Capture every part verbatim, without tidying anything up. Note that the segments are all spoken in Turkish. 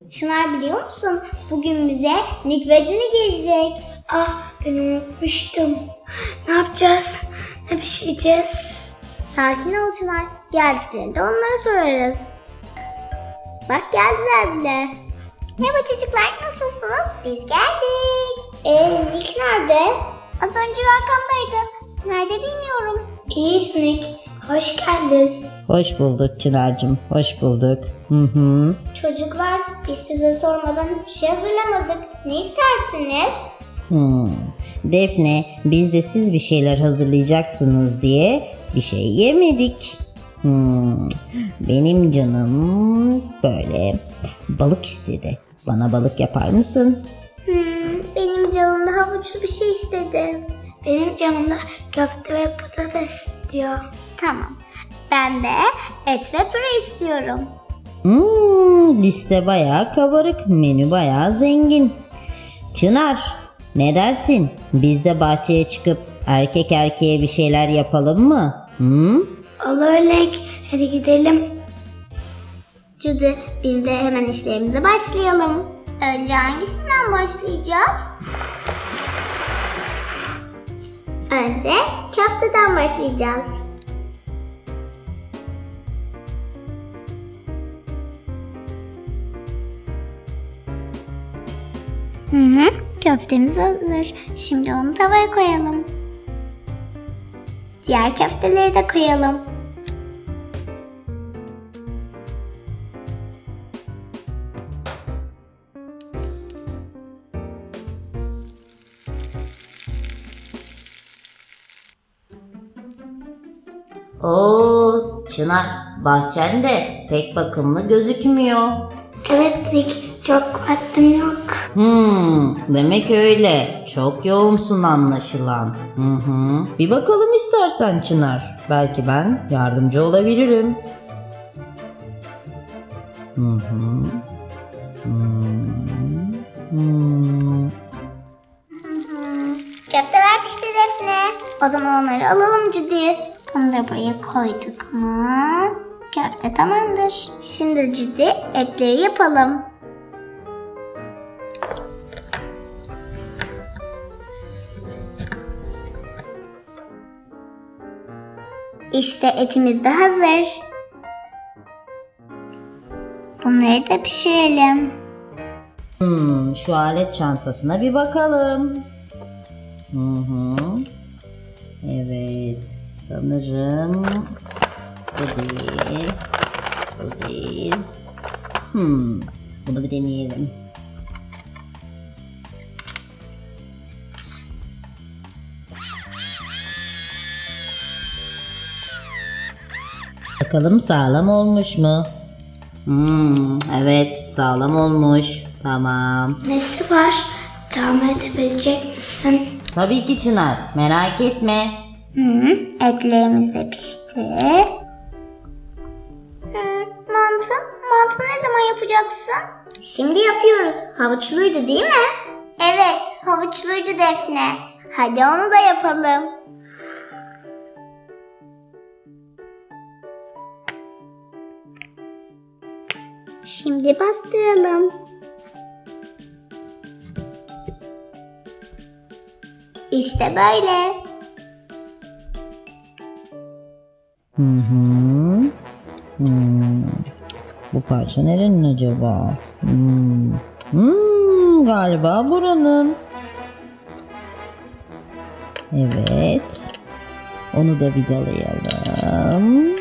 Çınar biliyor musun? Bugün bize Nick ve Juni gelecek. Ah, ben unutmuştum. Ne yapacağız? Ne pişireceğiz? Sakin ol Çınar. Geldiklerinde onlara sorarız. Bak geldiler bile. Merhaba çocuklar, nasılsınız? Biz geldik. Eee Nick nerede? Az önce arkamdaydı. Nerede bilmiyorum. İyiyiz Nick. Hoş geldin. Hoş bulduk Çınar'cığım, hoş bulduk. Hı hı. Çocuklar, biz size sormadan hiçbir şey hazırlamadık. Ne istersiniz? Hmm. Defne, biz de siz bir şeyler hazırlayacaksınız diye bir şey yemedik. Hmm. Benim canım böyle balık istedi. Bana balık yapar mısın? Hmm, benim canım da havuçlu bir şey istedi. Benim canımda köfte ve patates istiyor. Tamam. Ben de et ve püre istiyorum. Hmm, liste bayağı kabarık, menü bayağı zengin. Çınar, ne dersin? Biz de bahçeye çıkıp erkek erkeğe bir şeyler yapalım mı? Hmm? Olur Nick. Hadi gidelim. Judy, biz de hemen işlerimize başlayalım. Önce hangisinden başlayacağız? Önce köfteden başlayacağız. Hı hı, köftemiz hazır. Şimdi onu tavaya koyalım. Diğer köfteleri de koyalım. Oo, Çınar, bahçen de pek bakımlı gözükmüyor. Evet Nick. Çok vaktim yok. Hmm, demek öyle. Çok yoğunsun anlaşılan. Hı hı. Bir bakalım istersen Çınar. Belki ben yardımcı olabilirim. Hı hı. Hmm. Hmm. Köfteler pişti Defne. O zaman onları alalım Judy. Onu da buraya koyduk mu? Köfte tamamdır. Şimdi Judy etleri yapalım. İşte etimiz de hazır. Bunları da pişirelim. Hmm, şu alet çantasına bir bakalım. Hı hı. Evet, sanırım bu değil. Bu değil. Hmm, bunu bir deneyelim. Bakalım sağlam olmuş mu? Hmm, evet sağlam olmuş. Tamam. Nesi var? Tamir edebilecek misin? Tabii ki Çınar, merak etme. Hı, etlerimiz de pişti. Hı, mantı, mantı ne zaman yapacaksın? Şimdi yapıyoruz. Havuçluydu değil mi? Evet, havuçluydu Defne. Hadi onu da yapalım. Şimdi bastıralım. İşte böyle. Hı hı. Hmm. Bu parça nerenin acaba? Hmm. Hmm, galiba buranın. Evet. Onu da vidalayalım.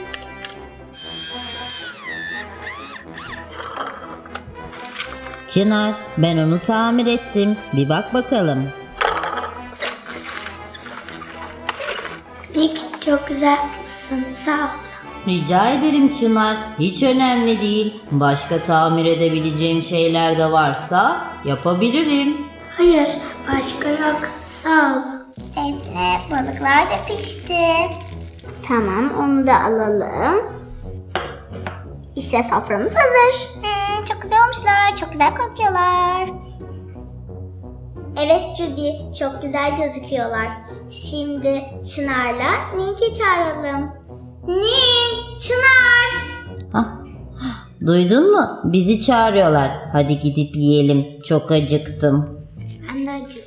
Çınar, ben onu tamir ettim. Bir bak bakalım. Nick çok güzel yapmışsın. Sağ ol. Rica ederim Çınar. Hiç önemli değil. Başka tamir edebileceğim şeyler de varsa yapabilirim. Hayır, başka yok. Sağ ol. Defne, balıklar da pişti. Tamam, onu da alalım. İşte soframız hazır. Hmm, çok güzel olmuşlar, çok güzel kokuyorlar. Evet Judy, çok güzel gözüküyorlar. Şimdi Çınar'la Nink'i çağıralım. Nink, Çınar. Hah. Duydun mu? Bizi çağırıyorlar. Hadi gidip yiyelim. Çok acıktım. Ben de acıktım.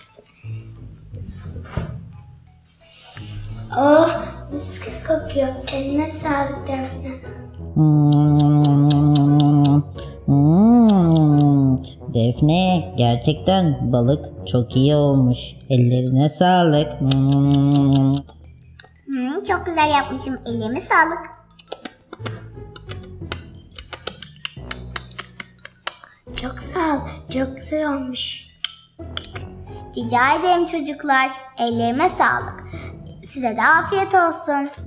Oh, mis gibi kokuyor. Eline sağlık Defne. Hmm. Hmm. Defne, gerçekten balık çok iyi olmuş. Ellerine sağlık. Hmm. Hmm, çok güzel yapmışım. Elime sağlık. Çok sağ ol. Çok güzel olmuş. Rica ederim çocuklar. Ellerime sağlık. Size de afiyet olsun.